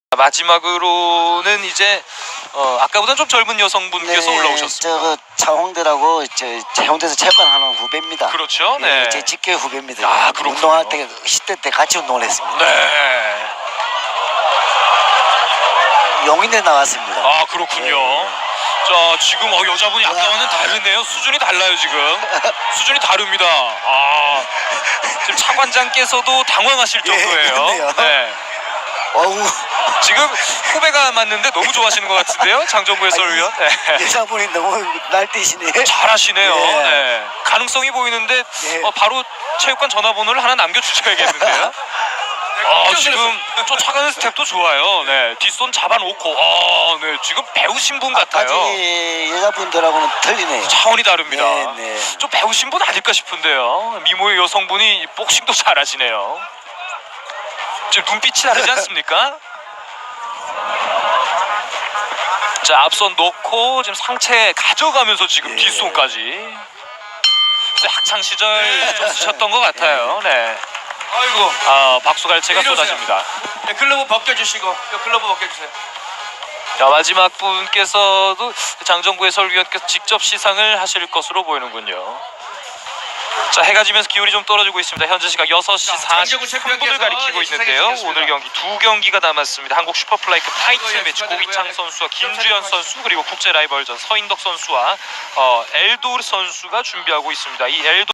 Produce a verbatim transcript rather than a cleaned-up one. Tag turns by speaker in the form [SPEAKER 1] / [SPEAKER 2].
[SPEAKER 1] 마지막으로는 이제 어, 아까보다는 좀 젊은 여성분께서
[SPEAKER 2] 네,
[SPEAKER 1] 올라오셨습니다.
[SPEAKER 2] 저그 차홍대라고 저 해운대에서 체육관하는 후배입니다.
[SPEAKER 1] 그렇죠. 네.
[SPEAKER 2] 예, 제 직계 후배입니다.
[SPEAKER 1] 아, 그렇군요.
[SPEAKER 2] 운동할 때 십 대 때 같이 운동을 했습니다.
[SPEAKER 1] 네.
[SPEAKER 2] 용인에 나왔습니다.
[SPEAKER 1] 아, 그렇군요.
[SPEAKER 2] 예.
[SPEAKER 1] 자, 지금 어, 여자분이 아까와는 다르네요. 수준이 달라요, 지금. 수준이 다릅니다. 아, 지금 차관장께서도 당황하실 정도예요.
[SPEAKER 2] 그렇네요.
[SPEAKER 1] 네.
[SPEAKER 2] 어우,
[SPEAKER 1] 지금 후배가 맞는데 너무 좋아하시는 것 같은데요, 장정구 해설위원. 네.
[SPEAKER 2] 여자분이 너무 날뛰시네.
[SPEAKER 1] 잘하시네요.
[SPEAKER 2] 예.
[SPEAKER 1] 네. 가능성이 보이는데
[SPEAKER 2] 예.
[SPEAKER 1] 어, 바로 체육관 전화번호를 하나 남겨주셔야겠는데요. 아, 지금 저 차가는 스텝도 좋아요. 네, 뒷손 잡아놓고, 아, 네, 지금 배우신 분 같아요.
[SPEAKER 2] 아직 여자분들하고는 틀리네요.
[SPEAKER 1] 차원이 다릅니다.
[SPEAKER 2] 네, 네.
[SPEAKER 1] 좀 배우신 분 아닐까 싶은데요. 미모의 여성분이 복싱도 잘하시네요. 지금 눈빛이 다르지 않습니까? 자, 앞선 놓고 지금 상체 가져가면서 지금
[SPEAKER 2] 예.
[SPEAKER 1] 뒷손까지. 학창 시절 좀 쓰셨던 것 같아요. 네.
[SPEAKER 3] 아이고.
[SPEAKER 1] 아, 박수갈채가
[SPEAKER 3] 이리 오세요.
[SPEAKER 1] 쏟아집니다.
[SPEAKER 3] 네, 글러브 벗겨주시고 요 글러브 벗겨주세요.
[SPEAKER 1] 자, 마지막 분께서도 장정구 해설위원께서 직접 시상을 하실 것으로 보이는군요. 자, 해가 지면서 기온이 좀 떨어지고 있습니다. 현재 시각 여섯 시
[SPEAKER 3] 자, 장정구
[SPEAKER 1] 사십삼 분을
[SPEAKER 3] 챔피언께서
[SPEAKER 1] 가리키고
[SPEAKER 3] 예, 시상해
[SPEAKER 1] 있는데요.
[SPEAKER 3] 주시겠습니다.
[SPEAKER 1] 오늘 경기 두 경기가 남았습니다. 한국 슈퍼플라이급 타이틀
[SPEAKER 3] 예,
[SPEAKER 1] 매치
[SPEAKER 3] 축하드리고요.
[SPEAKER 1] 고기창 선수와 김주현 선수, 그리고 국제 라이벌전 서인덕 선수와 어, 엘도 선수가 준비하고 있습니다. 이 엘도